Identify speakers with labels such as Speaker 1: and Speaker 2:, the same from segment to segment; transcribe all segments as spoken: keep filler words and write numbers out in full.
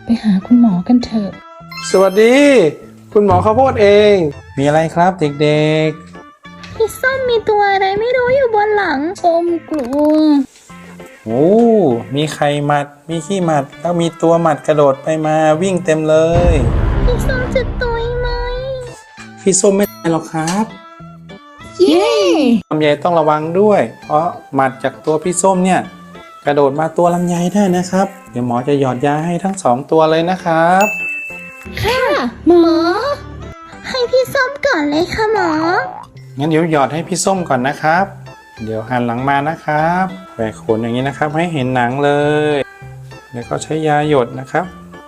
Speaker 1: ไปหาคุณหมอกันเถอะ
Speaker 2: สวัสดีคุณหมอข้าวโพดเองมีอะไรครับเด็กๆ
Speaker 1: พี่ส้มมีตัวอะไรไม่รู้อยู่บนหลังส้มกลัว
Speaker 2: โอ้มีไข่หมัดมีขี้หมัดแล้วมีตัวหมัดกระโดดไปมาวิ่งเต็มเลย
Speaker 1: พี่ส้มจะตุยไหม
Speaker 2: พี่ส้มไม่ตายหรอกครับ
Speaker 1: เย้
Speaker 2: ลำไยต้องระวังด้วยเพราะหมัดจากตัวพี่ส้มเนี่ยกระโดดมาตัวลำไยได้นะครับเดี๋ยวหมอจะหยอดยาให้ทั้งสองตัวเลยนะครับ
Speaker 1: ค่ะหมอให้พี่ส้มก่อนเลยค่ะหมอ
Speaker 2: งั้นเดี๋ยวหยอดให้พี่ส้มก่อนนะครับเดี๋ยวหันหลังมานะครับแหวกขนอย่างนี้นะครับให้เห็นหนังเลยแล้วก็ใช้ยาหยดนะครับ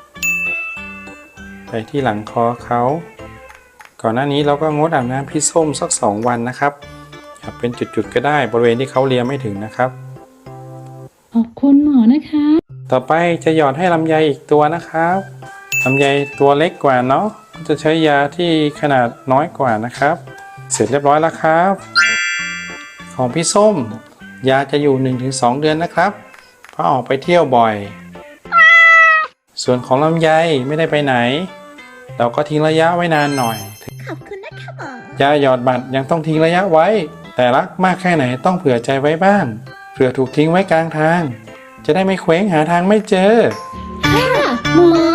Speaker 2: ไปที่หลังคอเขาก่อนหน้านี้เราก็งดอาบน้ำพี่ส้มสักสองวันนะครับเป็นจุดๆก็ได้บริเวณที่เขาเลียไม่ถึงนะครับ
Speaker 1: ขอบคุณหมอนะคะ
Speaker 2: ต่อไปจะหยอดให้ลำไยอีกตัวนะครับลำไยตัวเล็กกว่าเนาะจะใช้ยาที่ขนาดน้อยกว่านะครับเสร็จเรียบร้อยแล้วครับของพี่ส้มยาจะอยู่ หนึ่งถึงสอง เดือนนะครับเพราะออกไปเที่ยวบ่อยส่วนของลำไยไม่ได้ไปไหนเราก็ทิ้งระยะไว้นานหน่อย
Speaker 1: ขอบคุณนะคะหมอย
Speaker 2: าหยอดบัตรยังต้องทิ้งระยะไว้แต่รักมากแค่ไหนต้องเผื่อใจไว้บ้างเผื่อถูกทิ้งไว้กลางทางจะได้ไม่เคว้งหาทางไม่เจอ
Speaker 1: ค่ะหมอ